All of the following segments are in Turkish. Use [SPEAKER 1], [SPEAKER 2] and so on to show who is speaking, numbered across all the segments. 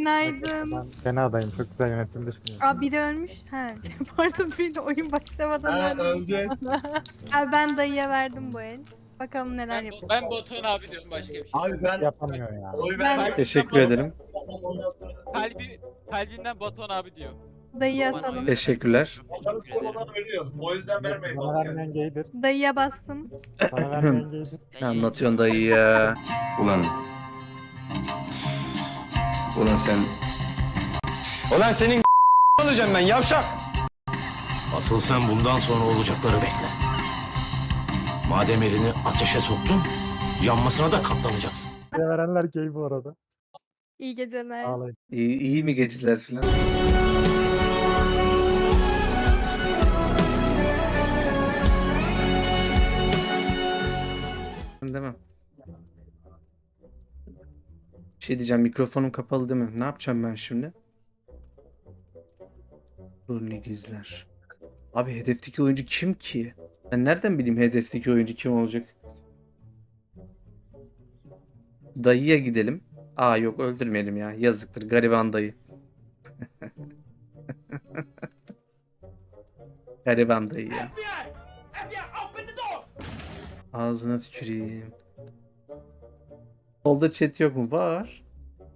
[SPEAKER 1] Günaydın.
[SPEAKER 2] Ben fena adayım. Çok güzel yönetim düşünüyorum.
[SPEAKER 1] Aa biri ölmüş. Ha, pardon bir de oyun başlamadan öldü.
[SPEAKER 3] Öldü.
[SPEAKER 1] Abi ben dayıya verdim bu el. Bakalım neler
[SPEAKER 4] Ben,
[SPEAKER 1] yapıyor.
[SPEAKER 4] ben Batuhan abi diyorum, başka bir şey.
[SPEAKER 3] Abi ben
[SPEAKER 2] Yapamıyor ya.
[SPEAKER 3] oy
[SPEAKER 1] Ben-
[SPEAKER 3] verdim.
[SPEAKER 5] Teşekkür ederim.
[SPEAKER 4] Kalbinden Batuhan abi diyor.
[SPEAKER 1] Dayıya
[SPEAKER 4] Bana
[SPEAKER 1] asalım.
[SPEAKER 4] oy
[SPEAKER 5] Teşekkürler.
[SPEAKER 3] Olan ölüyor. O yüzden vermeyin.
[SPEAKER 2] Bana vermeyen gaydir.
[SPEAKER 1] Dayıya bastım.
[SPEAKER 2] Bana vermeyen gaydir.
[SPEAKER 5] Ne anlatıyorsun dayı ya?
[SPEAKER 6] Ulan. Ulan sen. Ulan senin olacağım ben yavşak.
[SPEAKER 7] Asıl sen bundan sonra olacakları bekle. Madem elini ateşe soktun, yanmasına da katlanacaksın.
[SPEAKER 2] Size verenler gay bu arada.
[SPEAKER 1] İyi geceler.
[SPEAKER 2] Ağlayın.
[SPEAKER 5] İyi mi geceler falan? Demem. Bir şey diyeceğim, mikrofonum kapalı değil mi? Ne yapacağım ben şimdi? Rolünü gizler. Abi hedefteki oyuncu kim ki? Ben nereden bileyim hedefteki oyuncu kim olacak? Dayıya gidelim. Aa yok, öldürmeyelim ya. Yazıktır gariban dayı. Gariban dayı ya. Ağzına tüküreyim. Solda chat yok mu? Var.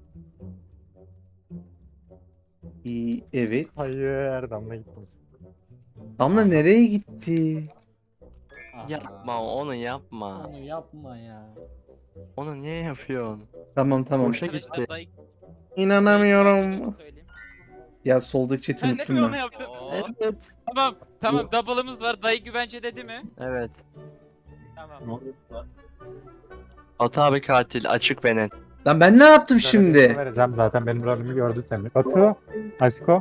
[SPEAKER 5] İyi, evet.
[SPEAKER 2] Hayır, Damla gittim.
[SPEAKER 5] Damla nereye gitti?
[SPEAKER 8] Yapma onu yapma.
[SPEAKER 9] Onu yapma ya.
[SPEAKER 8] Onu niye yapıyorsun?
[SPEAKER 5] Tamam.
[SPEAKER 8] Boşa gitti.
[SPEAKER 4] Dayı-
[SPEAKER 5] İnanamıyorum.
[SPEAKER 4] Söyleyeyim.
[SPEAKER 5] Ya soldaki chat'i
[SPEAKER 4] Ben de
[SPEAKER 5] unuttum
[SPEAKER 4] mi onu
[SPEAKER 5] ben.
[SPEAKER 4] yaptım?
[SPEAKER 8] Evet.
[SPEAKER 4] Tamam double'ımız var. Dayı güvence dedi mi?
[SPEAKER 8] Evet.
[SPEAKER 4] Tamam.
[SPEAKER 8] Batu abi katil açık ve net.
[SPEAKER 5] Lan ben ne yaptım
[SPEAKER 2] Sana
[SPEAKER 5] şimdi?
[SPEAKER 2] vereceğim zaten benim rolümü gördün sen. Batu, Aşko,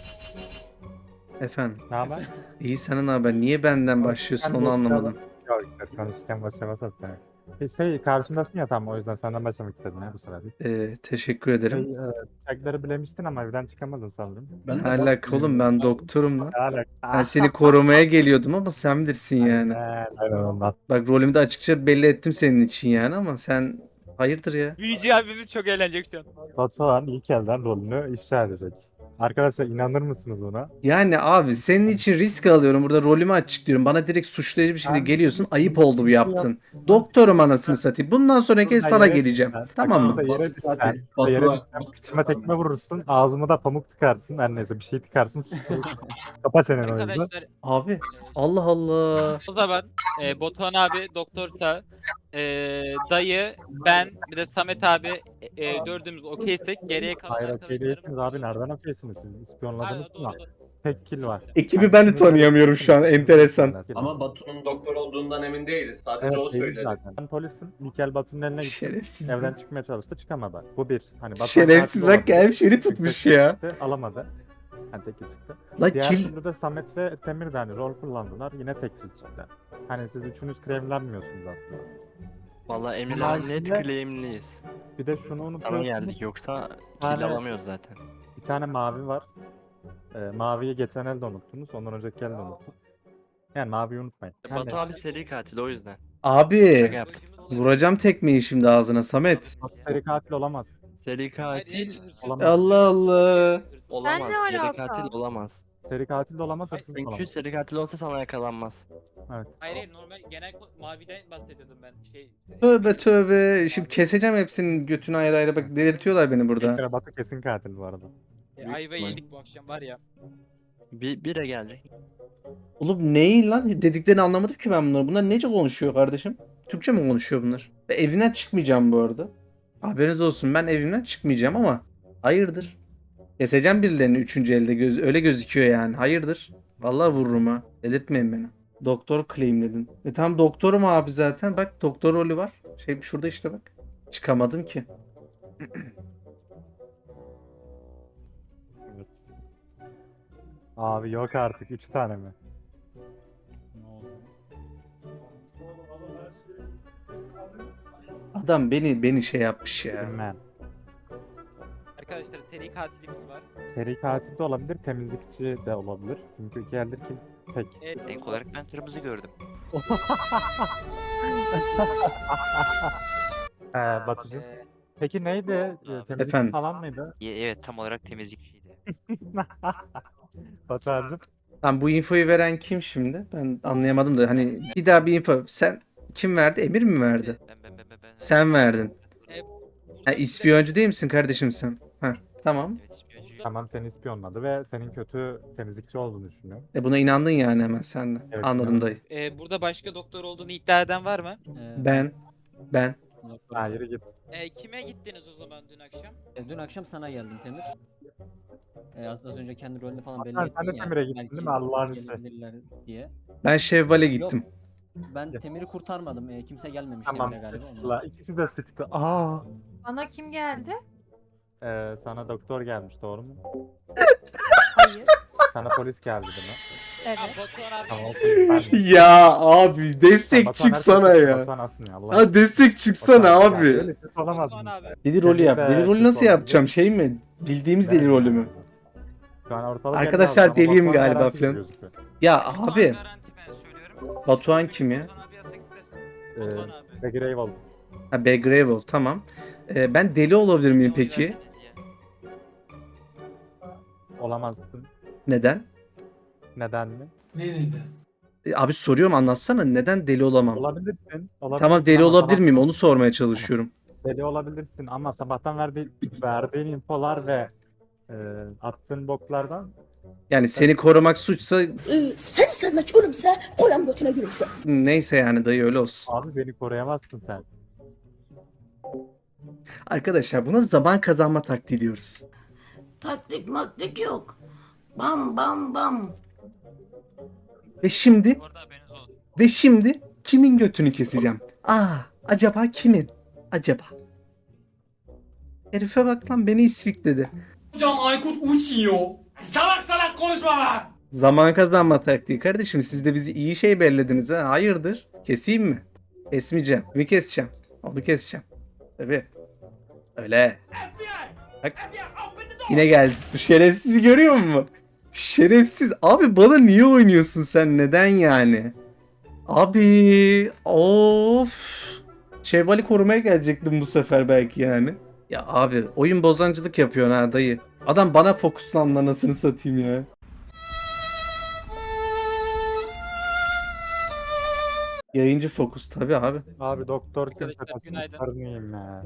[SPEAKER 5] Efendim.
[SPEAKER 2] ne haber?
[SPEAKER 5] İyi, sana ne haber? Niye benden başlıyorsun onu anlamadım.
[SPEAKER 2] Yok, konuşurken başlamasın sen. Karşımdasın ya tam o yüzden senden başlamak istedim ya bu sefer.
[SPEAKER 5] Teşekkür ederim.
[SPEAKER 2] Bıçakları bilemiştin ama evden çıkamadın sanırım.
[SPEAKER 5] Ne alaka oğlum, ben doktorum lan.
[SPEAKER 2] Ne alaka?
[SPEAKER 5] Ben seni korumaya geliyordum ama sen bilirsin yani.
[SPEAKER 2] Aynen ondan.
[SPEAKER 5] Bak rolümü de açıkça belli ettim senin için yani ama sen hayırdır ya.
[SPEAKER 4] Büyücü abimiz çok eğlenecek şu an.
[SPEAKER 2] Batuhan ilk elden rolünü ifşa edecek. Arkadaşlar inanır mısınız buna?
[SPEAKER 5] Yani abi senin için risk alıyorum, burada rolümü açıklıyorum. Bana direkt suçlayıcı bir şekilde
[SPEAKER 2] Ben-
[SPEAKER 5] geliyorsun. Ayıp oldu bu yaptın. Doktorum anasını satayım. Bundan sonraki kez sana geleceğim. Tamam mı?
[SPEAKER 2] Yere düşsen, yere düşsen, kıçıma tekme vurursun, ağzıma da pamuk tıkarsın. Her neyse bir şey tıkarsın. Kapa senin o yüzden.
[SPEAKER 4] Arkadaşlar
[SPEAKER 5] Abi Allah Allah.
[SPEAKER 4] o zaman Batuhan abi, doktorsa, dayı, ben bir de Samet abi dördümüz okeysek geriye kalan
[SPEAKER 2] Hayır okey
[SPEAKER 4] arkadaşlarımız-
[SPEAKER 2] değilsiniz abi. Nereden okeysiniz siz? İspiyonladınız
[SPEAKER 4] Doğru,
[SPEAKER 2] mı?
[SPEAKER 4] doğru.
[SPEAKER 2] Tek kill var.
[SPEAKER 5] Ekibi ben de tanıyamıyorum şu an, enteresan.
[SPEAKER 3] Ama Batu'nun doktor olduğundan emin değiliz. Sadece
[SPEAKER 2] Evet,
[SPEAKER 3] o
[SPEAKER 2] değiliz
[SPEAKER 3] söyledi.
[SPEAKER 2] zaten. Ben polisim. İlk el Batu'nun eline gittim.
[SPEAKER 5] Şerefsiz.
[SPEAKER 2] Evden çıkmaya çalıştı çıkamadı. Bu bir. Hani Batuhan
[SPEAKER 5] Şerefsiz
[SPEAKER 2] katil
[SPEAKER 5] bak gelmiş
[SPEAKER 2] olabilir.
[SPEAKER 5] beni tutmuş ya.
[SPEAKER 2] Çıktı, alamadı. Hani tek kill çıktı.
[SPEAKER 5] La
[SPEAKER 2] Diğer
[SPEAKER 5] kill.
[SPEAKER 2] türlü de Samet ve Temir de hani rol kullandılar. Yine tek kill çıktı. Hani siz üçünüz kremlenmiyorsunuz aslında.
[SPEAKER 8] Vallahi Emir'le
[SPEAKER 2] Haricinde-
[SPEAKER 8] net claimliyiz.
[SPEAKER 2] Bir de şunu
[SPEAKER 8] Sana
[SPEAKER 2] unutuyorsunuz.
[SPEAKER 8] geldik yoksa
[SPEAKER 2] Tane-
[SPEAKER 8] kill alamıyoruz zaten.
[SPEAKER 2] Bir tane mavi var. Maviyi geçen elde unuttunuz. Ondan önceki elde unuttum. Yani maviyi unutmayın. Hani
[SPEAKER 8] Batu abi seri katil o yüzden.
[SPEAKER 5] Abi
[SPEAKER 8] Şaka yaptım.
[SPEAKER 5] vuracağım tekmeyi şimdi ağzına Samet.
[SPEAKER 2] seri katil olamaz.
[SPEAKER 8] Seri katil
[SPEAKER 2] Olamaz.
[SPEAKER 5] Allah Allah.
[SPEAKER 8] olamaz.
[SPEAKER 1] ne
[SPEAKER 8] Seri
[SPEAKER 1] alaka?
[SPEAKER 8] katil olamaz.
[SPEAKER 2] Seri katil de olamaz, hırsız da
[SPEAKER 8] Çünkü
[SPEAKER 2] olamaz.
[SPEAKER 8] seri katil olsa sana yakalanmaz.
[SPEAKER 2] Evet.
[SPEAKER 4] Hayır normal genel maviden bahsediyordum ben.
[SPEAKER 5] Tövbe tövbe. Şimdi keseceğim hepsinin götünü ayrı ayrı, bak delirtiyorlar beni burada.
[SPEAKER 2] Kesin Batu kesin katil bu arada.
[SPEAKER 4] Ayva
[SPEAKER 8] ihtimal.
[SPEAKER 4] yedik bu akşam var ya.
[SPEAKER 8] Bire gelecek.
[SPEAKER 5] Oğlum neyi lan? Dediklerini anlamadım ki ben bunları. Bunlar nece konuşuyor kardeşim? Türkçe mi konuşuyor bunlar? Ve evinden çıkmayacağım bu arada. Haberiniz olsun, ben evimden çıkmayacağım ama hayırdır? Keseceğim birilerini üçüncü elde, öyle gözüküyor yani. Hayırdır? Vallahi vururum ha. Delirtmeyin beni. Doktor claimledin. Tamam doktorum abi zaten. Bak doktor rolü var. Şurada işte bak. Çıkamadım ki.
[SPEAKER 2] Evet. Abi yok artık 3 tane mi?
[SPEAKER 9] Ne oldu?
[SPEAKER 5] Adam beni şey yapmış ya.
[SPEAKER 2] Bilmem.
[SPEAKER 4] Arkadaşlar seri katilimiz var.
[SPEAKER 2] Seri katil de olabilir, temizlikçi de olabilir. Çünkü iki eldir ki tek.
[SPEAKER 8] İlk olarak ben kırmızı gördüm.
[SPEAKER 2] Batucuğum. Peki neydi? Temizlik
[SPEAKER 5] Efendim?
[SPEAKER 2] falan mıydı?
[SPEAKER 8] Evet, tam olarak temizlikçiydi.
[SPEAKER 2] Batuhan'cığım.
[SPEAKER 5] Tamam, bu infoyu veren kim şimdi? Ben anlayamadım da hani bir daha bir info. Sen kim verdi? Emir mi verdi?
[SPEAKER 8] Ben.
[SPEAKER 5] Sen verdin.
[SPEAKER 4] Burada
[SPEAKER 5] Ha, ispiyoncu değil misin kardeşim sen? Ha, tamam.
[SPEAKER 8] Evet, ispiyoncu.
[SPEAKER 2] Tamam, seni ispiyonladı ve senin kötü temizlikçi olduğunu düşünüyorum.
[SPEAKER 5] Buna inandın yani hemen sen de.
[SPEAKER 2] Evet,
[SPEAKER 5] Anladım
[SPEAKER 2] inandım.
[SPEAKER 5] dayı.
[SPEAKER 4] Burada başka doktor olduğunu iddia eden var mı?
[SPEAKER 5] Ben.
[SPEAKER 9] Doktor.
[SPEAKER 2] Ha, yürü git.
[SPEAKER 4] Kime gittiniz o zaman dün akşam?
[SPEAKER 9] Dün akşam sana geldim Temir. Az önce kendi rolünü falan belli
[SPEAKER 2] Sen
[SPEAKER 9] ettin
[SPEAKER 2] de
[SPEAKER 9] ya.
[SPEAKER 2] Temir'e gittin
[SPEAKER 9] belki
[SPEAKER 2] değil mi? Allah'ın işi.
[SPEAKER 9] gelebilirler diye.
[SPEAKER 5] Ben Şevval'e gittim.
[SPEAKER 9] Ben Temir'i kurtarmadım. Kimse gelmemiş
[SPEAKER 2] Tamam,
[SPEAKER 9] Temir'e galiba. ondan.
[SPEAKER 2] sıktılar. İkisi de sıktı. Aa.
[SPEAKER 1] Bana kim geldi?
[SPEAKER 2] Sana doktor gelmiş, doğru mu?
[SPEAKER 1] Hayır.
[SPEAKER 2] Sana polis geldi değil mi?
[SPEAKER 1] Evet.
[SPEAKER 4] Batuhan abi.
[SPEAKER 2] Tamam, o polis ben de.
[SPEAKER 5] Ya abi destek
[SPEAKER 2] Batuhan
[SPEAKER 5] çıksana
[SPEAKER 2] herkes-
[SPEAKER 5] ya.
[SPEAKER 2] Batuhan asın ya, Allah.
[SPEAKER 5] Ha destek çıksana
[SPEAKER 2] Batuhan,
[SPEAKER 5] abi.
[SPEAKER 2] yani öyle kötü olamaz
[SPEAKER 4] Batuhan
[SPEAKER 2] mı?
[SPEAKER 4] abi.
[SPEAKER 5] Deli rolü yap.
[SPEAKER 2] Be,
[SPEAKER 5] Deli rolü
[SPEAKER 2] kötü
[SPEAKER 5] nasıl
[SPEAKER 2] oldu.
[SPEAKER 5] yapacağım? Şey mi? Bildiğimiz deli rolü mü?
[SPEAKER 2] Şu an ortalık
[SPEAKER 5] Arkadaşlar,
[SPEAKER 2] elli altı ama
[SPEAKER 5] deliyim
[SPEAKER 2] Batuhan
[SPEAKER 5] galiba
[SPEAKER 2] garanti
[SPEAKER 5] falan.
[SPEAKER 2] gözüküyor.
[SPEAKER 5] Ya
[SPEAKER 4] Batuhan
[SPEAKER 5] abi
[SPEAKER 4] garanti ben söylüyorum.
[SPEAKER 5] Batuhan kim ya?
[SPEAKER 4] Batuhan abi yasak istersen.
[SPEAKER 2] Ee,
[SPEAKER 4] Batuhan abi.
[SPEAKER 2] Peki Eyvallah.
[SPEAKER 5] Ha, Begravel, tamam. Ben deli olabilir miyim peki?
[SPEAKER 2] Olamazsın.
[SPEAKER 5] Neden?
[SPEAKER 2] Neden mi?
[SPEAKER 5] Abi soruyorum, anlatsana. Neden deli olamam?
[SPEAKER 2] Olabilirsin.
[SPEAKER 5] Tamam, deli
[SPEAKER 2] ama
[SPEAKER 5] olabilir miyim?
[SPEAKER 2] sabahtan-
[SPEAKER 5] Onu sormaya çalışıyorum.
[SPEAKER 2] Deli olabilirsin ama sabahtan verdiğin infolar ve attığın boklardan
[SPEAKER 5] Yani seni korumak suçsa
[SPEAKER 10] Seni sevmek ölümse koyam götüne gülümse.
[SPEAKER 5] neyse yani dayı, öyle olsun.
[SPEAKER 2] abi beni koruyamazsın sen.
[SPEAKER 5] Arkadaşlar, buna zaman kazanma taktiği diyoruz.
[SPEAKER 10] Taktik maktik yok. Bam bam bam.
[SPEAKER 5] Ve şimdi
[SPEAKER 4] Bu arada haberiniz olsun.
[SPEAKER 5] kimin götünü keseceğim? Acaba kimin? Acaba? Herife bak lan, beni isvikledi.
[SPEAKER 7] Hocam Aykut uçuyor. Salak salak konuşma lan.
[SPEAKER 5] Zaman kazanma taktiği kardeşim. Siz de bizi iyi şey bellediniz ha. Hayırdır? Keseyim mi? Kesmeyeceğim. Kimi keseceğim? Onu keseceğim. Tabii. Öyle. Bak. Yine geldi. Şerefsizi görüyor musun? Şerefsiz. Abi bana niye oynuyorsun sen? Neden yani? Abi. Of. Şevval'i korumaya gelecektim bu sefer belki yani. Ya abi, oyun bozancılık yapıyorsun ha dayı. Adam bana fokuslandı, anasını satayım ya. Yayıncı fokus tabi abi.
[SPEAKER 2] Abi doktor kimse
[SPEAKER 4] Arkadaşlar, günaydın.
[SPEAKER 2] tasarınayım ya.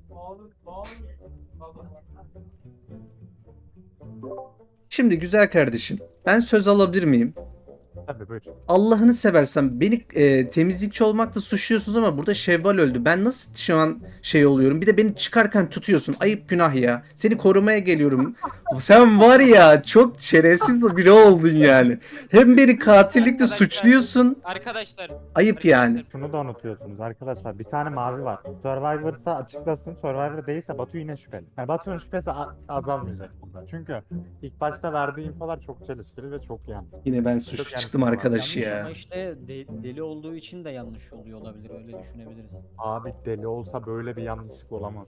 [SPEAKER 5] Şimdi güzel kardeşim, ben söz alabilir miyim?
[SPEAKER 2] Tabii buyur.
[SPEAKER 5] Allah'ını seversen beni temizlikçi olmakla suçluyorsunuz ama burada Şevval öldü. Ben nasıl şu an şey oluyorum? Bir de beni çıkarken tutuyorsun. Ayıp, günah ya. Seni korumaya geliyorum. Sen var ya, çok şerefsiz biri oldun yani. Hem beni katillikle suçluyorsun.
[SPEAKER 4] Arkadaşlar.
[SPEAKER 5] Ayıp yani.
[SPEAKER 2] Şunu da unutuyorsunuz arkadaşlar. Bir tane mavi var. Survivor'sa açıklasın. Survivor değilse Batu yine şüpheli. Yani Batu'nun şüphesi azalmayacak burada. Çünkü ilk başta verdiği infolar çok çelişkili ve çok yanlış.
[SPEAKER 5] Yine ben
[SPEAKER 2] Çok
[SPEAKER 5] suçlu
[SPEAKER 2] yanlış
[SPEAKER 5] çıktım
[SPEAKER 2] var.
[SPEAKER 5] arkadaş
[SPEAKER 9] Yanlış
[SPEAKER 5] ya.
[SPEAKER 9] ama işte deli olduğu için de yanlış oluyor olabilir. Öyle düşünebiliriz.
[SPEAKER 2] Abi deli olsa böyle bir yanlışlık olamaz.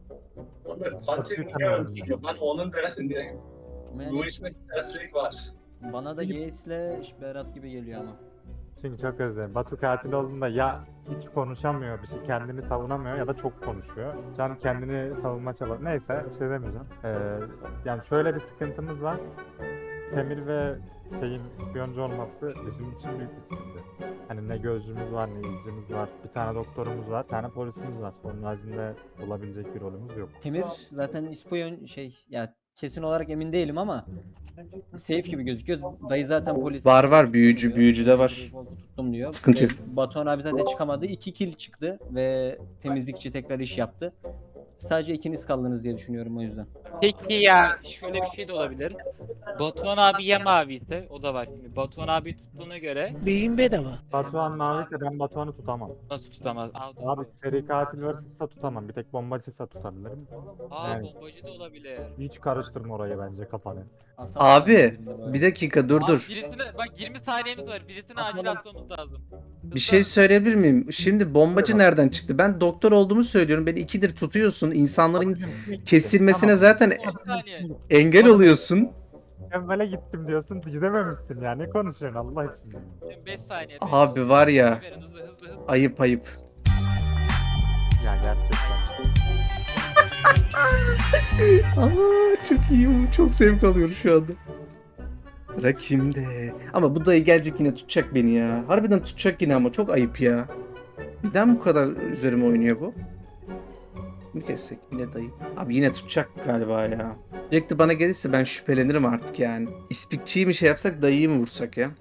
[SPEAKER 3] Katil niye öldürüyor? Ben onun tersindeyim.
[SPEAKER 9] Ama
[SPEAKER 3] Bu
[SPEAKER 9] yani
[SPEAKER 3] işte terslik var.
[SPEAKER 9] bana da Yeis'le Berat gibi geliyor ama.
[SPEAKER 2] Çünkü çok özledim. Batu katil olduğunda ya hiç konuşamıyor, bir şey kendini savunamıyor ya da çok konuşuyor. Şu an kendini savunma çabası. Neyse, bir şey demeyeceğim. Yani şöyle bir sıkıntımız var. Temir ve şeyin ispiyoncu olması bizim için büyük bir sıkıntı. Hani ne gözcümüz var, ne izcimiz var. Bir tane doktorumuz var, bir tane polisimiz var. Onun haricinde olabilecek bir rolümüz yok.
[SPEAKER 9] Temir zaten ispiyon ya kesin olarak emin değilim ama safe gibi gözüküyor. Dayı zaten polis.
[SPEAKER 5] Var, büyücü de var.
[SPEAKER 9] Wolf'u tuttum diyor.
[SPEAKER 5] Sıkıntı
[SPEAKER 9] Ve
[SPEAKER 5] yok.
[SPEAKER 9] Batuhan abi zaten çıkamadı. 2 kill çıktı ve temizlikçi tekrar iş yaptı. Sadece ikiniz kaldınız diye düşünüyorum o yüzden.
[SPEAKER 4] Peki ya şöyle bir şey de olabilir. Batuhan abi ya mavi ise o da var. Şimdi Batuhan abi tuttuğuna göre
[SPEAKER 2] Batuhan maviyse ben Batuhan'ı tutamam.
[SPEAKER 4] nasıl tutamaz?
[SPEAKER 2] Abi seri katil varsa tutamam. Bir tek bombacıysa tutabilirim. Evet.
[SPEAKER 4] Bombacı da olabilir.
[SPEAKER 2] Hiç karıştırma orayı bence kafanı.
[SPEAKER 5] Abi bir dakika dur.
[SPEAKER 4] Birisine bak 20 saniyemiz var. Birisini acil
[SPEAKER 9] Asalım.
[SPEAKER 4] atmamız lazım.
[SPEAKER 5] Bir şey söyleyebilir miyim? Şimdi bombacı nereden çıktı? Ben doktor olduğumu söylüyorum. Beni ikidir tutuyorsun. İnsanların kesilmesine zaten
[SPEAKER 4] 10 saniye.
[SPEAKER 5] engel oluyorsun.
[SPEAKER 2] Evvela gittim diyorsun, gidememişsin ya. Ne konuşuyorsun Allah için?
[SPEAKER 4] Şimdi 5 saniye.
[SPEAKER 5] Abi var ya.
[SPEAKER 4] Verin, hızlı.
[SPEAKER 5] Ayıp.
[SPEAKER 2] Ya gerçekten.
[SPEAKER 5] Aa, çok iyi. Çok zevk alıyorum şu anda. Sıra kimde? Ama bu dayı gelecek yine tutacak beni ya. Harbiden tutacak yine ama çok ayıp ya. Neden bu kadar üzerime oynuyor bu? Mi kessek yine dayı? Abi yine tutacak galiba ya. Sürekli bana gelirse ben şüphelenirim artık yani. İspikçiyi mi şey yapsak dayıyı mı vursak ya?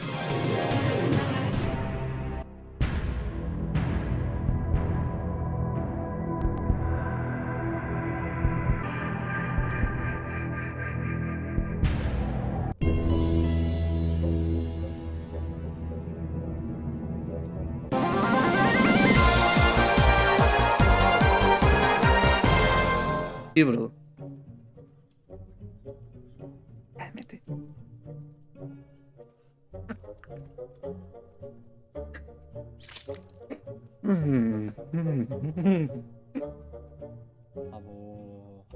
[SPEAKER 5] Bir vuralım. Gelmedi.
[SPEAKER 9] Abo.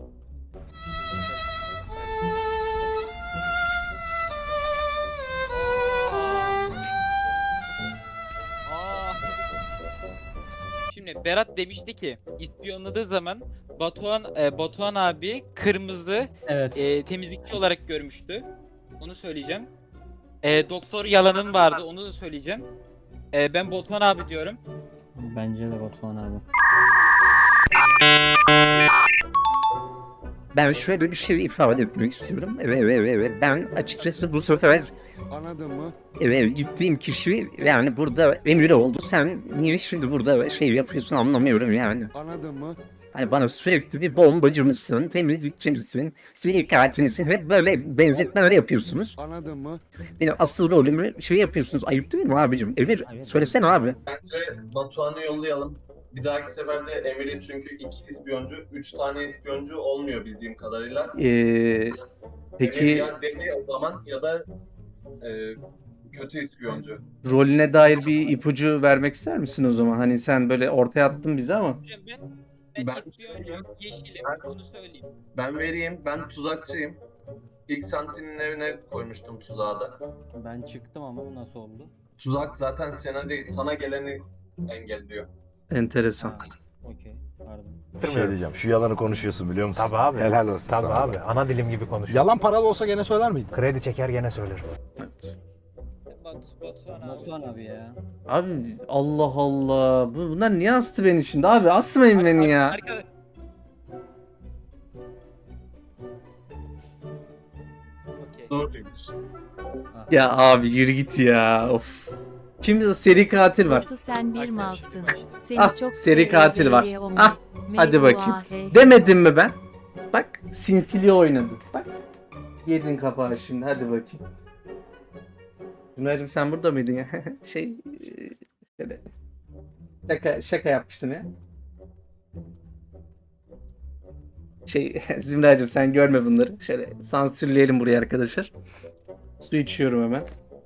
[SPEAKER 4] Şimdi Berat demişti ki ispiyonladığı zaman Batuhan abi kırmızı
[SPEAKER 9] Evet.
[SPEAKER 4] temizlikçi olarak görmüştü. Onu söyleyeceğim. Doktor yalanın vardı, onu da söyleyeceğim. Ben Batuhan abi diyorum.
[SPEAKER 9] Bence de Batuhan abi.
[SPEAKER 11] Ben şöyle bir şey ifade etmek istiyorum. Ben açıkçası bu sefer
[SPEAKER 6] Anladın mı?
[SPEAKER 11] gittiğim kişi yani burada emir oldu. Sen niye şimdi burada şey yapıyorsun anlamıyorum yani.
[SPEAKER 6] Anladın mı?
[SPEAKER 11] Hani bana sürekli bir bombacı mısın, temizlikçi misin, seri katil misin? Hep böyle benzetmeler yapıyorsunuz.
[SPEAKER 6] Anladın mı?
[SPEAKER 11] Benim asıl rolümü şey yapıyorsunuz. Ayıp değil mi abicim? Emir söylesene abi.
[SPEAKER 3] Bence Batuhan'ı yollayalım. Bir dahaki seferde Emir'i çünkü 2 ispiyoncu, 3 tane ispiyoncu olmuyor bildiğim kadarıyla. Emir
[SPEAKER 5] Peki
[SPEAKER 3] ya deli o zaman ya da kötü ispiyoncu.
[SPEAKER 5] rolüne dair bir ipucu vermek ister misin o zaman? Hani sen böyle ortaya attın bizi ama.
[SPEAKER 4] Hocam ben
[SPEAKER 3] Ben-
[SPEAKER 4] ispiyoncu, yeşilim, onu söyleyeyim.
[SPEAKER 3] Ben vereyim, ben tuzakçıyım. İlk Santin'in evine koymuştum tuzağı da.
[SPEAKER 9] Ben çıktım ama bu nasıl oldu?
[SPEAKER 3] Tuzak zaten sana değil, sana geleni engelliyor.
[SPEAKER 5] Enteresan.
[SPEAKER 9] Ha, okey. Pardon.
[SPEAKER 6] Bir şey diyeceğim. Şu yalanı konuşuyorsun biliyor musun?
[SPEAKER 12] Tabii abi.
[SPEAKER 6] Helal olsun
[SPEAKER 12] Tabii
[SPEAKER 6] sana.
[SPEAKER 12] abi. Ana dilim gibi konuşuyor.
[SPEAKER 6] Yalan paralı olsa gene söyler miydin?
[SPEAKER 12] Kredi çeker gene söylerim.
[SPEAKER 4] Batuhan abi.
[SPEAKER 9] Batuhan abi ya.
[SPEAKER 5] Abi Allah Allah. Bunlar niye astı beni şimdi? Abi asmayın beni ya.
[SPEAKER 4] Arkadaş- Okey.
[SPEAKER 3] Doğruymuş.
[SPEAKER 5] Ya abi yürü git ya. Of. Şimdi o seri katil var.
[SPEAKER 10] Batu sen bir malsın. Seni
[SPEAKER 5] Ah,
[SPEAKER 10] çok
[SPEAKER 5] seri katil var.
[SPEAKER 10] sevdiğim
[SPEAKER 5] Ah, hadi bakayım. Demedim mi ben? Bak sinsili oynadı. Bak. Yedin kapağı şimdi hadi bakayım. Cüneyt'im sen burada mıydın ya? Şöyle. Şaka yapmıştım ya. Zümracığım sen görme bunları. Şöyle sansürleyelim buraya arkadaşlar. Su içiyorum hemen.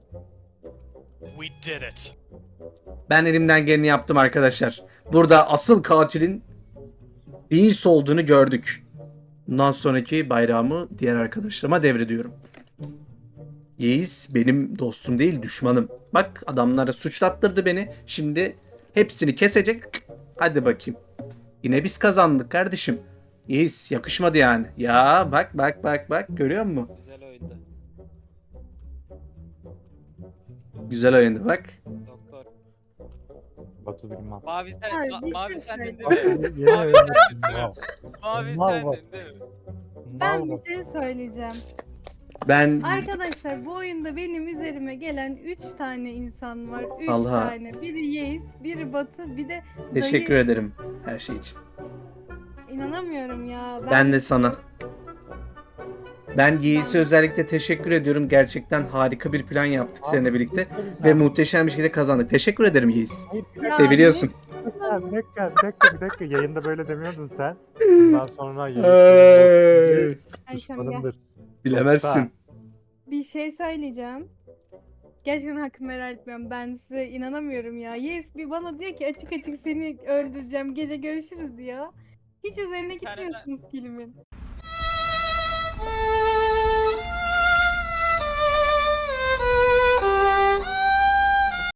[SPEAKER 7] We did it.
[SPEAKER 5] Ben elimden geleni yaptım arkadaşlar. Burada asıl katilin Beans olduğunu gördük. Bundan sonraki bayrağımı diğer arkadaşlarıma devrediyorum. Yeis benim dostum değil düşmanım. Bak adamlara suçlattırdı beni. Şimdi hepsini kesecek. Hadi bakayım. Yine biz kazandık kardeşim. Yeis yakışmadı yani. Ya bak görüyor musun?
[SPEAKER 4] Güzel oyundu.
[SPEAKER 5] Güzel oyundu bak.
[SPEAKER 4] Doktor.
[SPEAKER 2] Batu bilmem.
[SPEAKER 4] Mavi sen,
[SPEAKER 1] Ay,
[SPEAKER 4] ma-
[SPEAKER 1] bir
[SPEAKER 4] mavi
[SPEAKER 1] şey
[SPEAKER 4] sendin değil
[SPEAKER 1] söyleyeceğim.
[SPEAKER 4] mi? Mavi sendin değil mi? Mavi
[SPEAKER 2] Mal bak.
[SPEAKER 4] sendin değil mi?
[SPEAKER 1] Ben bir şey söyleyeceğim.
[SPEAKER 5] Ben
[SPEAKER 1] Arkadaşlar bu oyunda benim üzerime gelen 3 tane insan var. 3
[SPEAKER 5] Allah.
[SPEAKER 1] tane. Biri Yeis, biri Batı, bir de
[SPEAKER 5] teşekkür
[SPEAKER 1] dayı.
[SPEAKER 5] ederim her şey için.
[SPEAKER 1] İnanamıyorum ya.
[SPEAKER 5] Ben de sana. Ben Yeis'e özellikle teşekkür ediyorum. Gerçekten harika bir plan yaptık seninle birlikte. Ve muhteşem bir şekilde kazandık. Teşekkür ederim Yeis.
[SPEAKER 1] Ya,
[SPEAKER 5] Seviliyorsun.
[SPEAKER 2] Bir dakika. Yayında böyle demiyordun sen. Bundan sonra
[SPEAKER 5] Ay,
[SPEAKER 1] Ayşem gel.
[SPEAKER 2] düşmanımdır.
[SPEAKER 5] bilemezsin.
[SPEAKER 1] Bir şey söyleyeceğim. Gerçekten hakkımı helal etmiyorum. Ben size inanamıyorum ya. Yes bir bana diyor ki açık açık seni öldüreceğim. Gece görüşürüz diyor. Hiç üzerine
[SPEAKER 4] Bir tane
[SPEAKER 1] gitmiyorsunuz kilimin.